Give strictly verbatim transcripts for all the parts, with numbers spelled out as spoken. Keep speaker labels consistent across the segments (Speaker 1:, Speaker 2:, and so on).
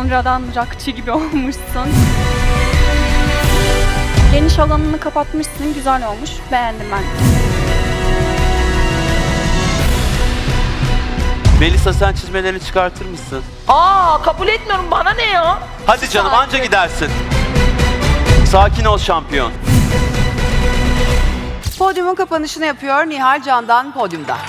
Speaker 1: sonradan rockçı gibi olmuşsun. Geniş alanını kapatmışsın, güzel olmuş. Beğendim ben.
Speaker 2: Melisa sen çizmelerini çıkartır mısın?
Speaker 3: Aa, kabul etmiyorum, bana ne ya?
Speaker 2: Hadi canım anca gidersin. Sakin ol şampiyon.
Speaker 4: Podyumun kapanışını yapıyor Nihal Can'dan podyumda.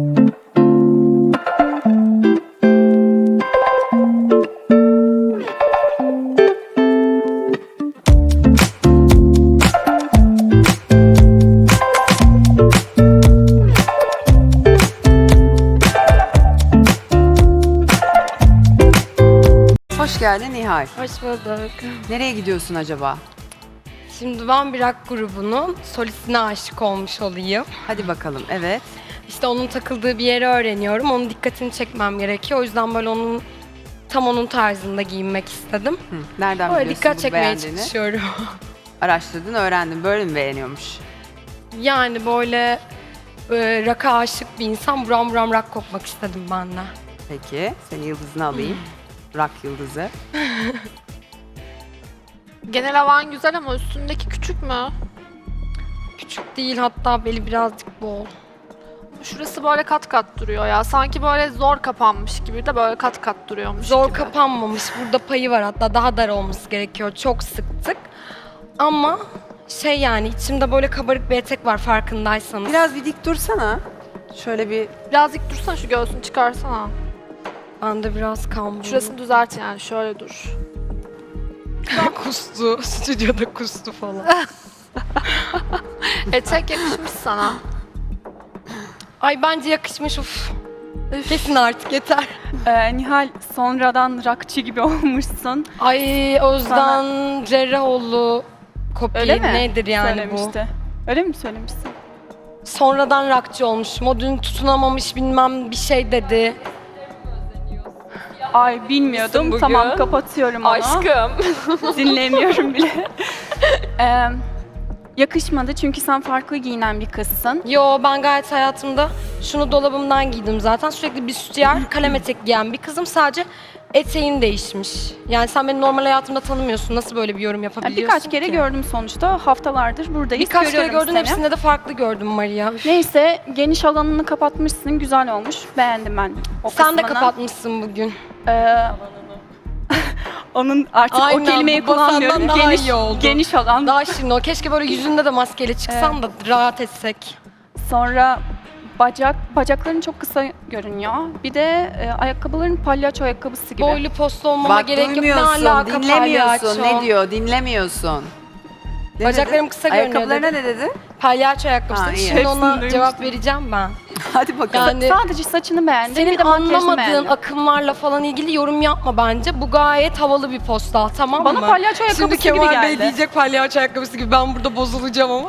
Speaker 4: Hoş geldin Nihal.
Speaker 5: Hoş bulduk.
Speaker 4: Nereye gidiyorsun acaba?
Speaker 5: Şimdi ben bir rock grubunun solistine aşık olmuş olayım.
Speaker 4: Hadi bakalım, evet.
Speaker 5: İşte onun takıldığı bir yeri öğreniyorum. Onun dikkatini çekmem gerekiyor. O yüzden böyle onun tam onun tarzında giyinmek istedim.
Speaker 4: Hı, nereden
Speaker 5: Böyle
Speaker 4: biliyorsun
Speaker 5: dikkat
Speaker 4: bu
Speaker 5: çekmeye
Speaker 4: beğendiğini?
Speaker 5: çalışıyorum.
Speaker 4: Araştırdın, öğrendin. Böyle mi beğeniyormuş?
Speaker 5: Yani böyle e, rock'a aşık bir insan buram buram rock kokmak istedim ben de.
Speaker 4: Peki, senin yıldızını alayım. Rock yıldızı.
Speaker 6: Genel havan güzel ama üstündeki küçük mü?
Speaker 5: Küçük değil, hatta beli birazcık bol.
Speaker 6: Şurası böyle kat kat duruyor ya. Sanki böyle zor kapanmış gibi de böyle kat kat duruyormuş
Speaker 5: Zor
Speaker 6: gibi.
Speaker 5: kapanmamış. Burada payı var, hatta daha dar olması gerekiyor. Çok sıktık. Ama şey, yani içimde böyle kabarık bir etek var farkındaysanız.
Speaker 4: Biraz bir dik dursana. Şöyle bir...
Speaker 6: Biraz dik dursana, şu göğsünü çıkarsana.
Speaker 5: Ben de biraz kambur.
Speaker 6: Şurasını düzelt yani, şöyle dur.
Speaker 5: kustu. Stüdyoda kustu falan.
Speaker 6: Etek yakışmış sana.
Speaker 5: Ay bence yakışmış, uf. Kesin artık, yeter.
Speaker 1: Ee, Nihal sonradan rockçı gibi olmuşsun.
Speaker 5: Ay Özden Cerrahoğlu kopya
Speaker 1: Öyle mi?
Speaker 5: nedir yani
Speaker 1: Söylemişti. Öyle mi söylemişsin?
Speaker 5: bu? Sonradan rockçı olmuş. Modunu tutunamamış bilmem bir şey dedi.
Speaker 1: Ay bilmiyordum.
Speaker 5: bugün?
Speaker 1: Tamam kapatıyorum onu. Dinlemiyorum bile. Ee, yakışmadı çünkü sen farklı giyinen bir kızsın.
Speaker 5: Yo, ben gayet hayatımda şunu dolabımdan giydim zaten. Sürekli bir sütyer, kalem etek giyen bir kızım. Sadece eteğin değişmiş. Yani sen beni normal hayatımda tanımıyorsun. Nasıl böyle bir yorum
Speaker 1: Yani
Speaker 5: yapabiliyorsun
Speaker 1: birkaç kere
Speaker 5: ki?
Speaker 1: gördüm sonuçta. Haftalardır buradayız.
Speaker 5: Birkaç kere
Speaker 1: Görüyorum
Speaker 5: gördüm,
Speaker 1: seni.
Speaker 5: hepsinde de farklı gördüm Maria. Üf.
Speaker 1: Neyse geniş alanını kapatmışsın. Güzel olmuş. Beğendim ben o
Speaker 5: Sen de
Speaker 1: kısmını.
Speaker 5: kapatmışsın bugün.
Speaker 1: Ee, onun artık
Speaker 5: Aynen,
Speaker 1: o kelimeyi
Speaker 5: bu senden
Speaker 1: kullanmıyorum.
Speaker 5: daha
Speaker 1: Geniş,
Speaker 5: iyi oldu.
Speaker 1: geniş alan.
Speaker 5: Daha şirin o. Keşke böyle yüzünde de maskeyle çıksan da rahat etsek.
Speaker 1: Sonra bacak bacakların çok kısa görünüyor. Bir de e, ayakkabıların palyaço ayakkabısı gibi.
Speaker 5: Boylu postlu olmama
Speaker 4: Bak
Speaker 5: gerek yok. Ne
Speaker 4: duymuyorsun,
Speaker 5: alaka
Speaker 4: dinlemiyorsun.
Speaker 5: palyaço?
Speaker 4: Ne diyor, dinlemiyorsun. Ne
Speaker 5: Bacaklarım
Speaker 4: dedi?
Speaker 5: kısa görünüyor
Speaker 4: Ayakkabılarına
Speaker 5: dedi.
Speaker 4: ne dedi?
Speaker 5: Palyaço ayakkabısı.
Speaker 4: Ha,
Speaker 5: dedi.
Speaker 4: iyi.
Speaker 5: Şimdi
Speaker 1: Hepsini
Speaker 5: ona
Speaker 1: duymuştum.
Speaker 5: cevap vereceğim ben.
Speaker 4: Hadi bakalım.
Speaker 5: Yani
Speaker 1: Sadece saçını beğendim.
Speaker 5: senin
Speaker 1: bir de makyajını
Speaker 5: anlamadığın
Speaker 1: beğendim.
Speaker 5: akımlarla falan ilgili yorum yapma bence. Bu gayet havalı bir postal, tamam
Speaker 1: Bana
Speaker 5: mı?
Speaker 1: palyaço ayakkabısı
Speaker 5: Şimdi
Speaker 1: gibi
Speaker 5: Kemal
Speaker 1: geldi.
Speaker 5: Bey diyecek palyaço ayakkabısı gibi, ben burada bozulacağım ama.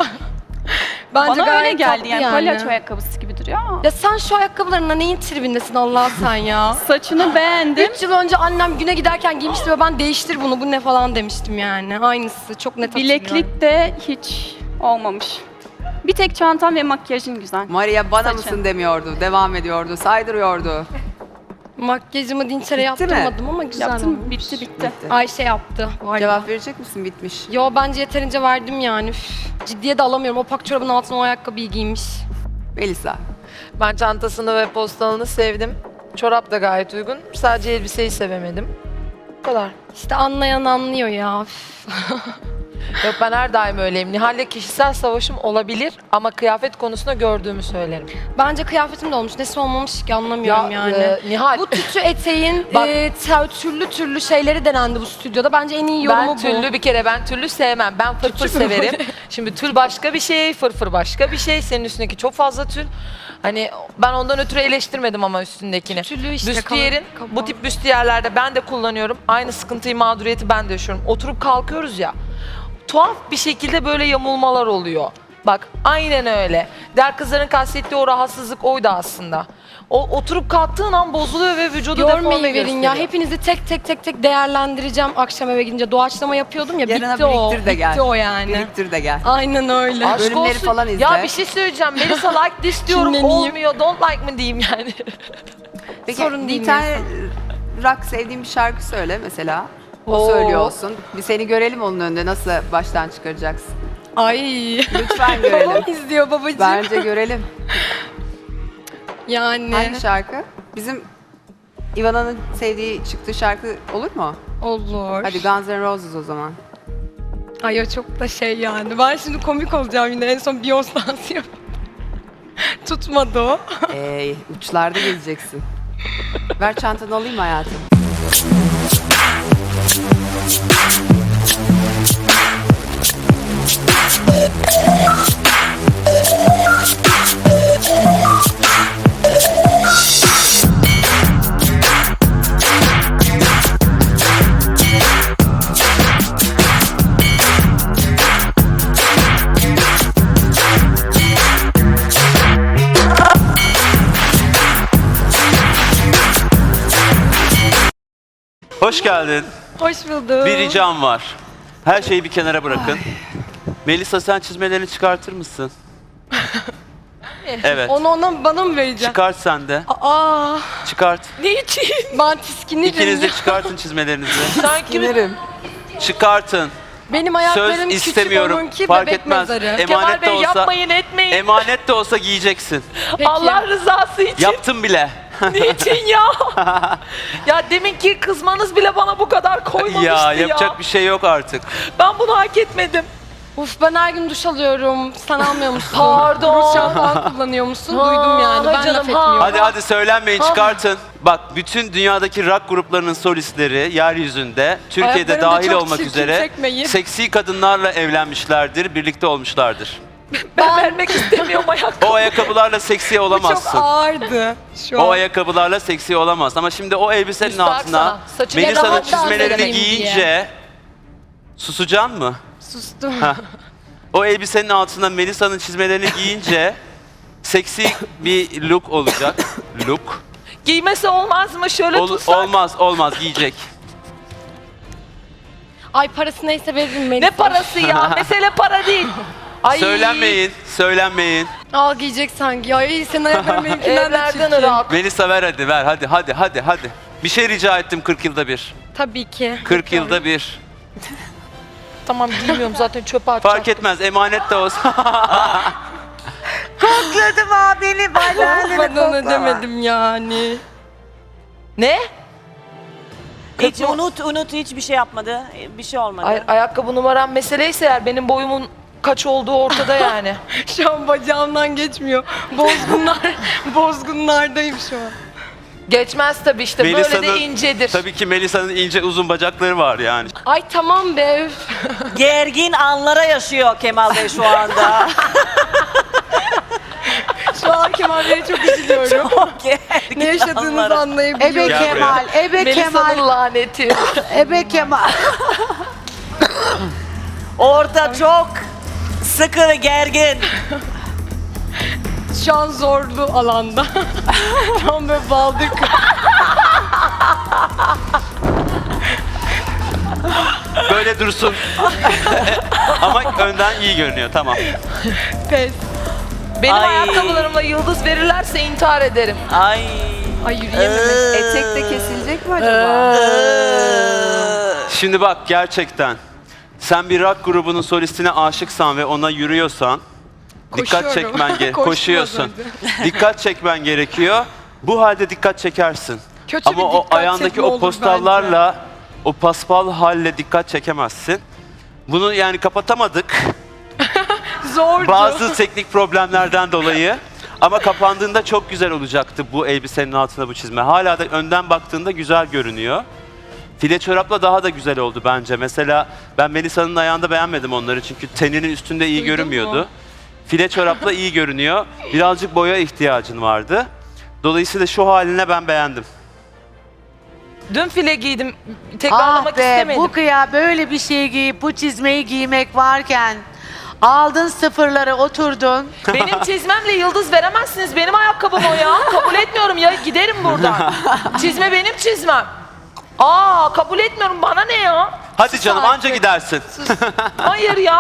Speaker 5: Bence
Speaker 1: Bana öyle
Speaker 5: gayet
Speaker 1: geldi
Speaker 5: tatlı
Speaker 1: yani, palyaço ayakkabısı gibi duruyor ama.
Speaker 5: Ya sen şu ayakkabılarına neyin tribindesin Allah sen ya?
Speaker 1: Saçını beğendim.
Speaker 5: Üç yıl önce annem güne giderken giymişti ve ben değiştir bunu, bu ne falan demiştim yani. Aynısı, çok net hatırlıyorum.
Speaker 1: Bileklik de hiç olmamış. Bir tek çantan ve makyajın güzel.
Speaker 4: Maria bana
Speaker 1: Saçın.
Speaker 4: mısın demiyordu, devam ediyordu, saydırıyordu.
Speaker 5: Makyajımı dinçere
Speaker 4: Bitti mi?
Speaker 5: yaptırmadım ama güzel
Speaker 1: Yaptım,
Speaker 5: olmuş.
Speaker 1: bitti bitti.
Speaker 5: Ayşe yaptı bu arada.
Speaker 4: Cevap verecek misin? Bitmiş.
Speaker 5: Yo, bence yeterince verdim yani. Üf, ciddiye de alamıyorum. O pak çorabın altına o ayakkabıyı giymiş.
Speaker 4: Melisa.
Speaker 3: Ben çantasını ve postalını sevdim. Çorap da gayet uygun. Sadece elbiseyi sevemedim. Bu kadar.
Speaker 5: İşte anlayan anlıyor ya. Üf.
Speaker 3: Yok, ben her daim öyleyim. Nihal'le kişisel savaşım olabilir ama kıyafet konusunda gördüğümü söylerim.
Speaker 5: Bence kıyafetim de olmuş. Nesi olmamış ki anlamıyorum yani.
Speaker 3: e, Nihal,
Speaker 5: Bu tütü eteğin
Speaker 3: Bak-
Speaker 5: e, te- türlü türlü şeyleri denendi bu stüdyoda. Bence en iyi yorumu
Speaker 3: ben
Speaker 5: bu.
Speaker 3: tüllü bir kere ben tüllü sevmem. Ben fırfır severim. Şimdi tül başka bir şey, fırfır başka bir şey. Senin üstündeki çok fazla tül. Hani ben ondan ötürü eleştirmedim ama üstündekini.
Speaker 5: Tüllü işte.
Speaker 3: Büstiyerin,
Speaker 5: kaban-
Speaker 3: bu tip büstiyerlerde ben de kullanıyorum. Aynı sıkıntıyı, mağduriyeti ben de yaşıyorum. Oturup kalkıyoruz ya. Tuhaf bir şekilde böyle yamulmalar oluyor. Bak aynen öyle. Der kızların kastettiği o rahatsızlık oydu aslında. O oturup kalktığın an bozuluyor ve vücudu deforme
Speaker 5: Görmeyi verin
Speaker 3: gösteriyor.
Speaker 5: ya. Hepinizi tek tek tek tek değerlendireceğim akşam eve gidince. Doğaçlama yapıyordum ya.
Speaker 4: Yarına
Speaker 5: bitti o.
Speaker 4: biriktir de gel.
Speaker 5: Bitti o yani.
Speaker 4: Biriktir de gel.
Speaker 5: Aynen öyle.
Speaker 3: Aşk
Speaker 4: Bölümleri
Speaker 3: olsun.
Speaker 4: falan izle.
Speaker 3: Ya bir şey söyleyeceğim. Melisa like this diyorum,
Speaker 5: Kinleneyim.
Speaker 3: olmuyor. Don't like mı diyeyim yani.
Speaker 4: Peki
Speaker 5: Sorun değil
Speaker 4: bir tane rock sevdiğin bir şarkı söyle mesela. O
Speaker 3: Oo.
Speaker 4: söylüyor olsun. Bir seni görelim onun önünde. Nasıl baştan çıkaracaksın?
Speaker 5: Ay.
Speaker 4: Lütfen görelim.
Speaker 5: Babam izliyor babacığım.
Speaker 4: Bence görelim.
Speaker 5: Yani
Speaker 4: Hangi şarkı? Bizim Ivana'nın sevdiği çıktığı şarkı olur mu?
Speaker 5: olur.
Speaker 4: Hadi Guns N' Roses o zaman.
Speaker 5: Ay o çok da şey yani. Ben şimdi komik olacağım yine. En son Beyoncé dansı yapıyorum. Tutmadı o.
Speaker 4: Ee, uçlarda gezeceksin. Ver çantanı alayım hayatım.
Speaker 2: Hoş geldin.
Speaker 5: Hoş bulduk.
Speaker 2: Bir ricam var. Her şeyi bir kenara bırakın. Melisa sen çizmelerini çıkartır mısın? Evet.
Speaker 5: Onu ona bana mı vereceksin?
Speaker 2: Çıkart sen de.
Speaker 5: Aa,
Speaker 2: Çıkart.
Speaker 5: ne için? Ben tiskinirim.
Speaker 2: İkiniz de
Speaker 5: ya.
Speaker 2: çıkartın çizmelerinizi.
Speaker 3: Sanki
Speaker 4: Giderim.
Speaker 2: Çıkartın.
Speaker 5: Benim ayaklarım
Speaker 2: Söz
Speaker 5: küçük,
Speaker 2: istemiyorum.
Speaker 5: onunki
Speaker 2: Fark
Speaker 5: bebek
Speaker 2: etmez.
Speaker 5: mezarı.
Speaker 3: Kemal
Speaker 2: Emanet de
Speaker 3: Bey
Speaker 2: olsa,
Speaker 3: yapmayın etmeyin.
Speaker 2: emanet de olsa giyeceksin.
Speaker 5: Peki.
Speaker 3: Allah rızası için.
Speaker 2: Yaptım bile.
Speaker 3: Niçin ya? Ya deminki kızmanız bile bana bu kadar koymamıştı ya.
Speaker 2: ya yapacak bir şey yok artık.
Speaker 3: Ben bunu hak etmedim.
Speaker 5: Uf ben her gün duş alıyorum. Sen almıyor musun?
Speaker 3: Pardon.
Speaker 5: Duş şampuan kullanıyor musun?
Speaker 3: Ha,
Speaker 5: Duydum yani. Ben
Speaker 3: canım,
Speaker 5: laf
Speaker 3: ha.
Speaker 5: etmiyorum.
Speaker 2: Hadi hadi söylenmeyin, çıkartın. Bak bütün dünyadaki rock gruplarının solistleri yeryüzünde, Türkiye'de
Speaker 5: Ayaklarım da
Speaker 2: dahil
Speaker 5: çok
Speaker 2: olmak
Speaker 5: çirkin,
Speaker 2: üzere
Speaker 5: çekmeyin.
Speaker 2: seksi kadınlarla evlenmişlerdir, birlikte olmuşlardır.
Speaker 3: Ben vermek istemiyorum ayakkabı.
Speaker 2: O ayakkabılarla seksi
Speaker 5: Bu çok
Speaker 2: olamazsın.
Speaker 5: ağırdı şu
Speaker 2: O
Speaker 5: an.
Speaker 2: ayakkabılarla seksi olamazsın. Ama şimdi o elbisenin
Speaker 3: Müstahak
Speaker 2: altına
Speaker 3: sana. Saçını
Speaker 2: Melisa'nın
Speaker 5: rahat dans
Speaker 2: çizmelerini
Speaker 5: edeyim
Speaker 2: giyince
Speaker 5: diye.
Speaker 2: susacaksın mı?
Speaker 5: Sustum.
Speaker 2: O elbisenin altına Melisa'nın çizmelerini giyince seksi bir look olacak. Look.
Speaker 3: Giymesi olmaz mı? Şöyle
Speaker 2: Ol-
Speaker 3: tutsak.
Speaker 2: olmaz, olmaz giyecek.
Speaker 5: Ay parası neyse veririm Melisa.
Speaker 3: Ne parası ya? Mesele para değil. Ay.
Speaker 2: Söylenmeyin, söylenmeyin.
Speaker 5: Al giyecek sanki. Ay senin ayakların benimkinden de
Speaker 3: Evlerden
Speaker 5: çirkin.
Speaker 3: rahat.
Speaker 2: Melisa ver hadi ver hadi hadi hadi hadi. Bir şey rica ettim kırk yılda bir.
Speaker 5: Tabii ki.
Speaker 2: kırk yılda bir.
Speaker 3: Tamam giymiyorum zaten çöpe atacağım.
Speaker 2: Fark etmez emanet de olsa.
Speaker 4: Kokladım abini, balenini
Speaker 5: Bana demedim yani.
Speaker 3: Ne?
Speaker 7: Hiç unut unut hiçbir şey yapmadı. Bir şey olmadı.
Speaker 3: Ay, ayakkabı numaram meseleyse eğer benim boyumun kaç olduğu ortada yani.
Speaker 5: Şu an bacağımdan geçmiyor. Bozgunlar, bozgunlardayım şu an.
Speaker 3: Geçmez tabii işte böyle de incedir.
Speaker 2: Tabii ki Melisa'nın ince uzun bacakları var yani.
Speaker 5: Ay tamam be. üf.
Speaker 7: Gergin anlara yaşıyor Kemal Bey şu anda.
Speaker 5: Şu an Kemal Bey'e çok üzülüyorum.
Speaker 7: Gergin
Speaker 5: Ne yaşadığınızı
Speaker 7: anlara.
Speaker 5: anlayabiliyorum.
Speaker 8: Ebe
Speaker 2: Gel buraya.
Speaker 8: Kemal, Ebe Kemal,
Speaker 3: Melisa'nın laneti.
Speaker 8: Ebe Kemal.
Speaker 7: Orada çok sıkı ve gergin.
Speaker 5: Şu an zorlu alanda. Tam böyle baldık.
Speaker 2: Böyle dursun. Ama önden iyi görünüyor tamam.
Speaker 5: Pes.
Speaker 3: Benim
Speaker 7: Ay.
Speaker 3: ayakkabılarımla yıldız verirlerse intihar ederim.
Speaker 7: Ay.
Speaker 5: Ay yürüyemedim.
Speaker 4: Etek de kesilecek mi acaba?
Speaker 2: Şimdi bak gerçekten sen bir rock grubunun solistine aşıksan ve ona yürüyorsan dikkat
Speaker 5: Koşuyorum.
Speaker 2: çekmen gerekiyor.
Speaker 5: Koştum az
Speaker 2: Koşuyorsun.
Speaker 5: önce.
Speaker 2: Dikkat çekmen gerekiyor. Bu halde dikkat çekersin.
Speaker 5: Kötü
Speaker 2: Ama
Speaker 5: bir
Speaker 2: o
Speaker 5: dikkat
Speaker 2: ayağındaki
Speaker 5: çekme
Speaker 2: o
Speaker 5: olur
Speaker 2: postallarla o paspal halle dikkat çekemezsin. Bunu yani kapatamadık.
Speaker 5: Zordu.
Speaker 2: Bazı teknik problemlerden dolayı. Ama kapandığında çok güzel olacaktı bu elbisenin altına bu çizme. Hala da önden baktığında güzel görünüyor. File çorapla daha da güzel oldu bence. Mesela ben Melisa'nın ayağında beğenmedim onları çünkü teninin üstünde iyi
Speaker 5: Duydun
Speaker 2: görünmüyordu.
Speaker 5: mu?
Speaker 2: File çorapla iyi görünüyor. Birazcık boya ihtiyacın vardı. Dolayısıyla şu haline ben beğendim.
Speaker 3: Dün file giydim. Tekrarlamak
Speaker 8: Ah be,
Speaker 3: istemedim.
Speaker 8: bu kıya böyle bir şey giyip bu çizmeyi giymek varken aldın sıfırları oturdun.
Speaker 3: Benim çizmemle yıldız veremezsiniz. Benim ayakkabım o ya. Kabul etmiyorum ya. Giderim buradan. Çizme benim çizmem. Aa kabul etmiyorum. Bana ne ya?
Speaker 2: Hadi
Speaker 3: Sus
Speaker 2: canım
Speaker 3: artık.
Speaker 2: anca gidersin.
Speaker 3: Hayır ya.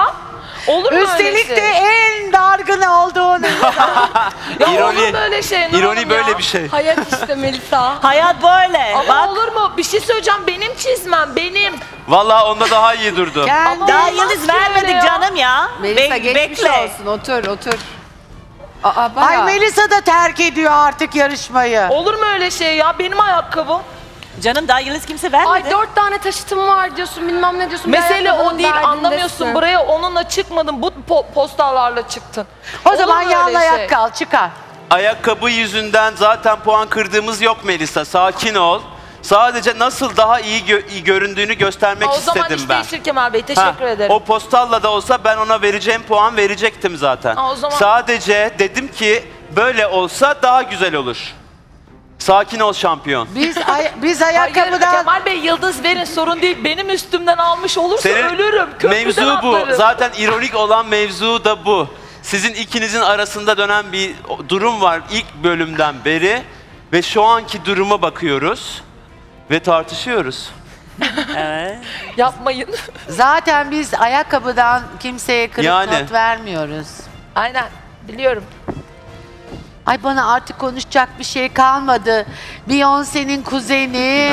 Speaker 3: Olur mu öyle
Speaker 8: Üstelik
Speaker 3: şey?
Speaker 8: de en dargın olduğunu.
Speaker 3: Ya olur
Speaker 2: İroni,
Speaker 3: mu öyle şey? Nur
Speaker 2: ironi
Speaker 3: Hanım
Speaker 2: böyle
Speaker 3: ya?
Speaker 2: bir şey.
Speaker 5: Hayat işte Melisa.
Speaker 7: Hayat böyle.
Speaker 3: Ama
Speaker 7: Bak
Speaker 3: olur mu? Bir şey söyleyeceğim. Benim çizmem, benim.
Speaker 2: Vallahi onda daha iyi durdu.
Speaker 8: Kendi
Speaker 7: daha
Speaker 3: olmaz
Speaker 7: yıldız
Speaker 3: ki
Speaker 7: vermedik
Speaker 3: öyle ya.
Speaker 7: canım ya.
Speaker 4: Melisa
Speaker 7: Be-
Speaker 4: geçmiş
Speaker 7: bekle.
Speaker 4: olsun. Otur otur. Aa bayağı.
Speaker 8: Ay Melisa da terk ediyor artık yarışmayı.
Speaker 3: Olur mu öyle şey ya? Benim ayakkabım.
Speaker 7: Canım daha yıldız kimse vermedi.
Speaker 5: Ay dört tane taşıtım var diyorsun bilmem ne diyorsun. Bir
Speaker 3: Mesele o
Speaker 5: ayakkabının
Speaker 3: değil.
Speaker 5: derdindesin.
Speaker 3: Anlamıyorsun. Buraya onunla çıkmadın. Bu po- postalarla çıktın.
Speaker 8: O
Speaker 3: Olur
Speaker 8: zaman
Speaker 3: mu öyle
Speaker 8: yanla
Speaker 3: şey?
Speaker 8: ayak kal çıkar.
Speaker 2: Ayakkabı yüzünden zaten puan kırdığımız yok Melisa. Sakin ol. Sadece nasıl daha iyi, gö- iyi göründüğünü göstermek
Speaker 3: Aa, o zaman
Speaker 2: istedim
Speaker 3: iş
Speaker 2: ben.
Speaker 3: değişir Kemal Bey.
Speaker 2: Ha,
Speaker 3: Teşekkür ederim.
Speaker 2: O postalla da olsa ben ona vereceğim puan verecektim zaten.
Speaker 3: Aa, o zaman-
Speaker 2: Sadece dedim ki böyle olsa daha güzel olur. Sakin ol şampiyon.
Speaker 8: Biz ay- biz
Speaker 3: Hayır,
Speaker 8: ayakkabıdan
Speaker 3: Kemal Bey yıldız verin sorun değil. Benim üstümden almış olursa
Speaker 2: Senin
Speaker 3: ölürüm. Köprüden
Speaker 2: mevzu bu.
Speaker 3: atlarım.
Speaker 2: Zaten ironik olan mevzu da bu. Sizin ikinizin arasında dönen bir durum var ilk bölümden beri ve şu anki duruma bakıyoruz ve tartışıyoruz.
Speaker 7: Evet.
Speaker 3: Yapmayın.
Speaker 8: zaten biz ayakkabıdan kimseye kırık
Speaker 2: Yani.
Speaker 8: not vermiyoruz.
Speaker 3: Aynen. Biliyorum.
Speaker 8: Ay bana artık konuşacak bir şey kalmadı. Beyoncé'nin kuzeni.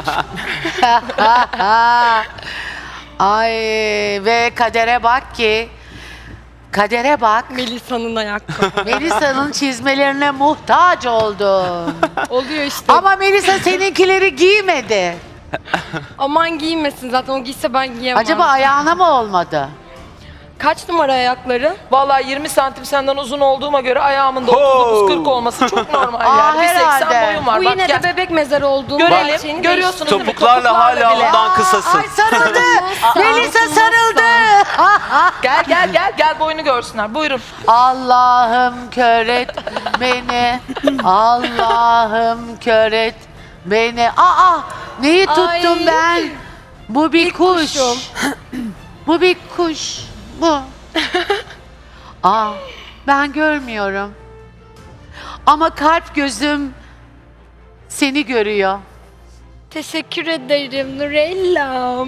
Speaker 8: Ay ve kadere bak ki kadere bak.
Speaker 5: Melisa'nın ayakkabı.
Speaker 8: Melisa'nın çizmelerine muhtaç oldum.
Speaker 5: Oluyor işte.
Speaker 8: Ama Melisa seninkileri giymedi.
Speaker 5: Aman giymesin zaten o giyse ben giyemem.
Speaker 8: Acaba ayağına mı olmadı?
Speaker 5: Kaç numara ayakları?
Speaker 3: Vallahi yirmi santim senden uzun olduğuma göre ayağımın da
Speaker 2: Ho!
Speaker 3: otuz dokuz kırk olması çok normal
Speaker 8: Aa,
Speaker 3: yani. Bir seksen
Speaker 8: herhalde.
Speaker 3: boyum var.
Speaker 5: Bu
Speaker 3: Bak
Speaker 5: yine
Speaker 3: gel.
Speaker 5: de bebek mezarı olduğunu
Speaker 3: Görelim,
Speaker 5: gerçeğini
Speaker 3: görüyorsunuz değil mi?
Speaker 2: Topuklarla hala
Speaker 3: bile.
Speaker 2: ondan kısasın.
Speaker 8: Ay sarıldı. Melisa sarıldı.
Speaker 3: Gel gel gel gel boyunu görsünler. Buyurun.
Speaker 8: Allah'ım kör et beni. Allah'ım kör et beni. Aa neyi tuttum
Speaker 5: Ay.
Speaker 8: ben? Bu bir
Speaker 5: İlk
Speaker 8: kuş.
Speaker 5: kuşum.
Speaker 8: Bu bir kuş. Bu. Aa ben görmüyorum. Ama kalp gözüm seni görüyor.
Speaker 5: Teşekkür ederim Nurellam.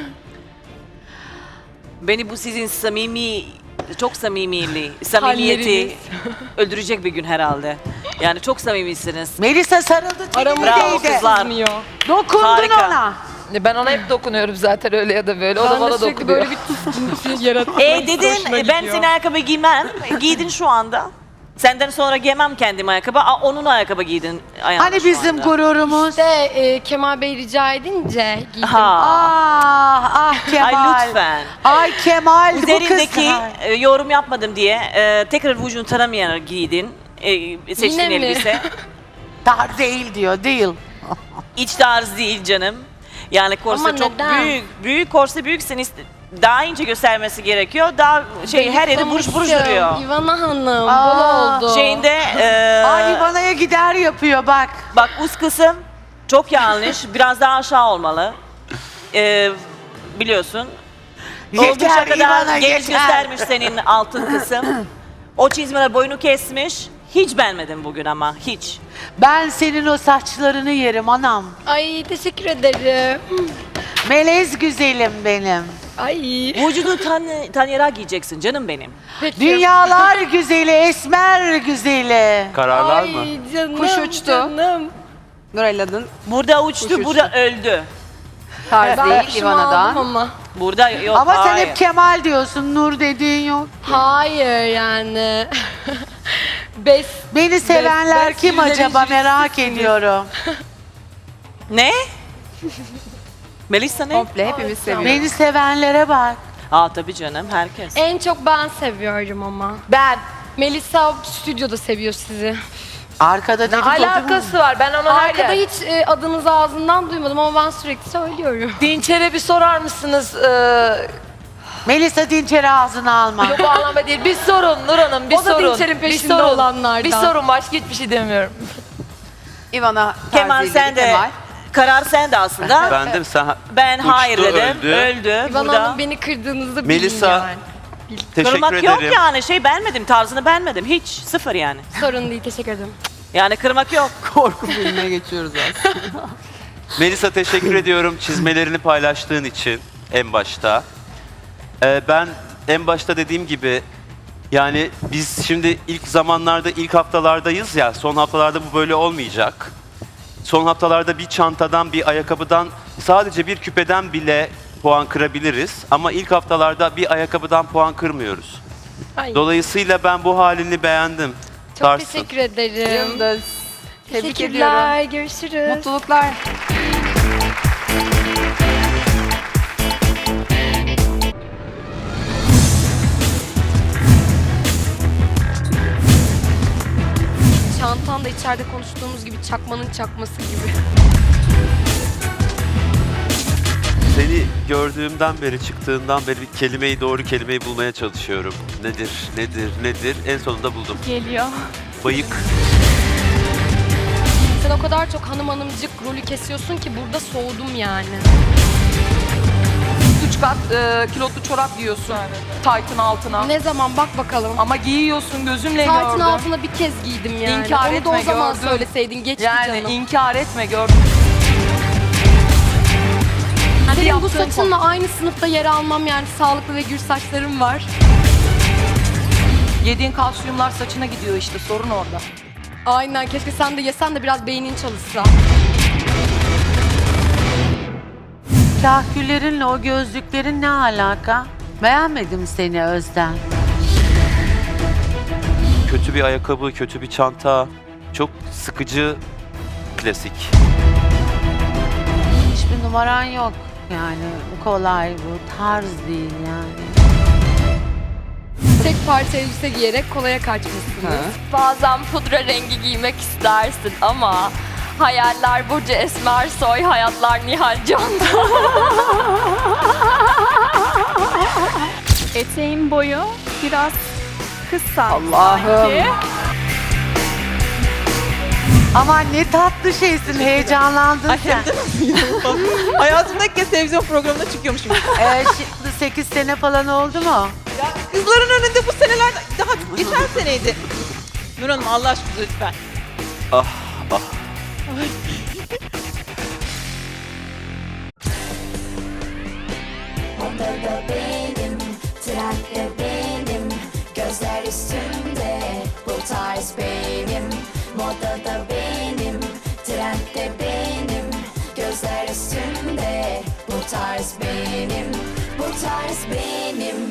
Speaker 7: Beni bu sizin samimi, çok samimiliği, samimiyeti
Speaker 5: Halleriniz.
Speaker 7: öldürecek bir gün herhalde. Yani çok samimisiniz.
Speaker 8: Melisa sarıldı
Speaker 5: Aramızda
Speaker 7: Bravo
Speaker 8: tenine değdi.
Speaker 7: kızlar.
Speaker 5: sızmıyor.
Speaker 8: Dokundun
Speaker 7: Harika.
Speaker 8: ona.
Speaker 3: Ben ona hep dokunuyorum zaten öyle ya da böyle. O da
Speaker 5: Ben de
Speaker 3: bana
Speaker 5: sürekli
Speaker 3: dokunuyor.
Speaker 5: böyle bir tıslım yaratmak
Speaker 7: E dedin,
Speaker 5: hoşuma
Speaker 7: e, ben
Speaker 5: gidiyor.
Speaker 7: senin ayakkabı giymem. Giydin şu anda. Senden sonra giymem kendim ayakkabı. Aa, onun ayakkabı giydin ayağına
Speaker 8: Hani
Speaker 7: şu
Speaker 8: bizim
Speaker 7: anda.
Speaker 8: gururumuz.
Speaker 5: İşte e, Kemal Bey rica edince giydim.
Speaker 7: Ha.
Speaker 8: Ah ah Kemal.
Speaker 7: Ay lütfen.
Speaker 8: Ay Kemal bu kız.
Speaker 7: Üzerindeki
Speaker 8: Ay.
Speaker 7: e, yorum yapmadım diye e, tekrar vücudunu tanımayarak giydin. E, seçtiğin
Speaker 5: Yine mi?
Speaker 7: elbise.
Speaker 8: Dar değil diyor değil.
Speaker 7: İç tarz değil canım. Yani korse
Speaker 5: Ama
Speaker 7: çok
Speaker 5: neden?
Speaker 7: büyük. Büyük korse büyüksen iste- daha ince göstermesi gerekiyor. Daha şey her yeri buruş buruş duruyor.
Speaker 5: İvana Hanım
Speaker 8: Aa,
Speaker 5: bol oldu.
Speaker 7: Şeyinde e,
Speaker 8: Ay İvana'ya gider yapıyor bak.
Speaker 7: bak üst kısım çok yanlış. Biraz daha aşağı olmalı. E, biliyorsun. Oldukça
Speaker 8: Yeter
Speaker 7: kadar
Speaker 8: İvana
Speaker 7: geniş
Speaker 8: yeter.
Speaker 7: göstermiş senin altın kısım. O çizmeler boyunu kesmiş. Hiç beğenmedim bugün ama hiç.
Speaker 8: Ben senin o saçlarını yerim anam.
Speaker 5: Ay teşekkür ederim.
Speaker 8: Melez güzelim benim.
Speaker 5: Ay.
Speaker 7: Vücudu tan tanıyarak giyeceksin canım benim.
Speaker 5: Peki.
Speaker 8: Dünyalar güzeli, esmer güzeli.
Speaker 2: Kararlar
Speaker 5: Ay
Speaker 2: mı?
Speaker 5: canım
Speaker 4: Kuş uçtu.
Speaker 5: canım.
Speaker 4: Nurella'nın
Speaker 7: Burada uçtu,
Speaker 4: Uçuştu.
Speaker 7: burada öldü.
Speaker 4: tarz
Speaker 5: Ben
Speaker 4: değil
Speaker 5: kuşumu aldım
Speaker 4: Ivana'dan.
Speaker 5: ama.
Speaker 7: Burada yok.
Speaker 8: Ama sen
Speaker 7: hayır.
Speaker 8: hep Kemal diyorsun, Nur dediğin yok.
Speaker 5: Hayır yani. Bes.
Speaker 8: Beni sevenler
Speaker 5: Bes-
Speaker 8: kim
Speaker 5: Besyüzlerin
Speaker 8: acaba merak
Speaker 5: jürisisiniz.
Speaker 8: ediyorum.
Speaker 7: Ne? Melisa ne?
Speaker 4: Komple hepimiz seviyoruz.
Speaker 8: Beni sevenlere bak.
Speaker 7: Aa tabii canım herkes.
Speaker 5: En çok ben seviyorum ama.
Speaker 3: Ben.
Speaker 5: Melisa stüdyoda seviyor sizi.
Speaker 8: Arkada
Speaker 3: Ne
Speaker 8: dedikodu mu?
Speaker 3: alakası var? Ben onu her
Speaker 5: Arkada
Speaker 3: yer...
Speaker 5: hiç e, adınızı ağzından duymadım ama ben sürekli söylüyorum.
Speaker 3: Dinçer'e bir sorar mısınız? Ee,
Speaker 8: Melisa Dinçer'i ağzına alma.
Speaker 3: yok o anlamda değil. Bir sorun Nur Hanım, bir
Speaker 5: O da
Speaker 3: sorun.
Speaker 5: Dinçer'in
Speaker 3: bir
Speaker 5: peşinde
Speaker 3: sorun.
Speaker 5: olanlardan.
Speaker 3: Bir sorun, başka hiçbir şey demiyorum.
Speaker 4: Ivana
Speaker 7: Kemal
Speaker 4: tarzıyla
Speaker 7: sen de.
Speaker 4: Kemal.
Speaker 7: Karar sen de aslında.
Speaker 2: Ben de sen
Speaker 7: Ben
Speaker 2: uçtu,
Speaker 7: hayır dedim.
Speaker 2: öldü.
Speaker 7: Öldü.
Speaker 5: İvan
Speaker 7: Burada.
Speaker 5: Hanım beni kırdığınızı
Speaker 2: Melisa,
Speaker 5: bilin yani.
Speaker 2: teşekkür
Speaker 7: Kırmak
Speaker 2: ederim.
Speaker 7: yok yani. Şey beğenmedim. Tarzını beğenmedim. Hiç. Sıfır yani.
Speaker 5: Sorun değil teşekkür ederim.
Speaker 7: Yani kırmak yok.
Speaker 4: Korku filmine geçiyoruz aslında.
Speaker 2: Melisa teşekkür ediyorum çizmelerini paylaştığın için en başta. Ee, ben en başta dediğim gibi yani biz şimdi ilk zamanlarda, ilk haftalardayız ya, son haftalarda bu böyle olmayacak. Son haftalarda bir çantadan, bir ayakkabıdan, sadece bir küpeden bile puan kırabiliriz. Ama ilk haftalarda bir ayakkabıdan puan kırmıyoruz.
Speaker 5: Ay,
Speaker 2: Dolayısıyla ben bu halini beğendim.
Speaker 5: çok
Speaker 2: Tarsın.
Speaker 5: teşekkür ederim.
Speaker 4: Yıldız. Tebrik
Speaker 5: Teşekkürler,
Speaker 4: ediyorum.
Speaker 5: görüşürüz.
Speaker 4: Mutluluklar.
Speaker 5: Çantan da içeride konuştuğumuz gibi çakmanın çakması gibi.
Speaker 2: Seni gördüğümden beri, çıktığından beri bir kelimeyi, doğru kelimeyi bulmaya çalışıyorum. Nedir, nedir, nedir? En sonunda buldum.
Speaker 1: Geliyor.
Speaker 2: Bayık.
Speaker 5: Sen o kadar çok hanım hanımcık rolü kesiyorsun ki burada soğudum yani.
Speaker 3: Üç kat e, kilotlu çorap giyiyorsun. Taytın altına.
Speaker 5: Ne zaman bak bakalım.
Speaker 3: Ama giyiyorsun, gözümle
Speaker 5: Taytın
Speaker 3: gördüm.
Speaker 5: altına bir kez giydim yani.
Speaker 3: İnkar
Speaker 5: Onu da
Speaker 3: etme,
Speaker 5: o zaman
Speaker 3: gördüm.
Speaker 5: söyleseydin geçti
Speaker 3: Yani
Speaker 5: canım.
Speaker 3: inkar etme, gördüm.
Speaker 5: Senin bu
Speaker 3: yaptığın
Speaker 5: saçınla aynı sınıfta yer almam yani sağlıklı ve gür saçlarım var.
Speaker 3: Yediğin kalsiyumlar saçına gidiyor işte, sorun orada.
Speaker 5: Aynen, keşke sen de yesen de biraz beynin çalışsa.
Speaker 8: Kahküllerinle o gözlüklerin ne alaka? Beğenmedim seni Özden.
Speaker 2: Kötü bir ayakkabı, kötü bir çanta. Çok sıkıcı, klasik.
Speaker 8: Hiçbir numaran yok. Yani bu kolay, bu tarz değil yani.
Speaker 5: Tek parça elbise giyerek kolaya kaçmışsınız.
Speaker 9: Bazen pudra rengi giymek istersin ama hayaller Burcu Esmersoy, hayatlar Nihal Can'da.
Speaker 1: Eteğin boyu biraz kısa
Speaker 4: Allah'ım.
Speaker 1: sanki.
Speaker 8: Aman ne tatlı şeysin, heyecanlandın sen.
Speaker 10: Hayatımda ilk kez televizyon programına çıkıyormuşum.
Speaker 8: Ee, şimdi sekiz sene falan oldu mu?
Speaker 10: Ya kızların önünde bu seneler daha geçen seneydi. Nur Hanım Allah aşkına lütfen.
Speaker 2: Ah, ah.
Speaker 11: Onda da benim, trendde benim, gözler üstümde, bu tarz benim. Modada benim, trendde benim, gözler üstümde, bu tarz benim, bu tarz benim.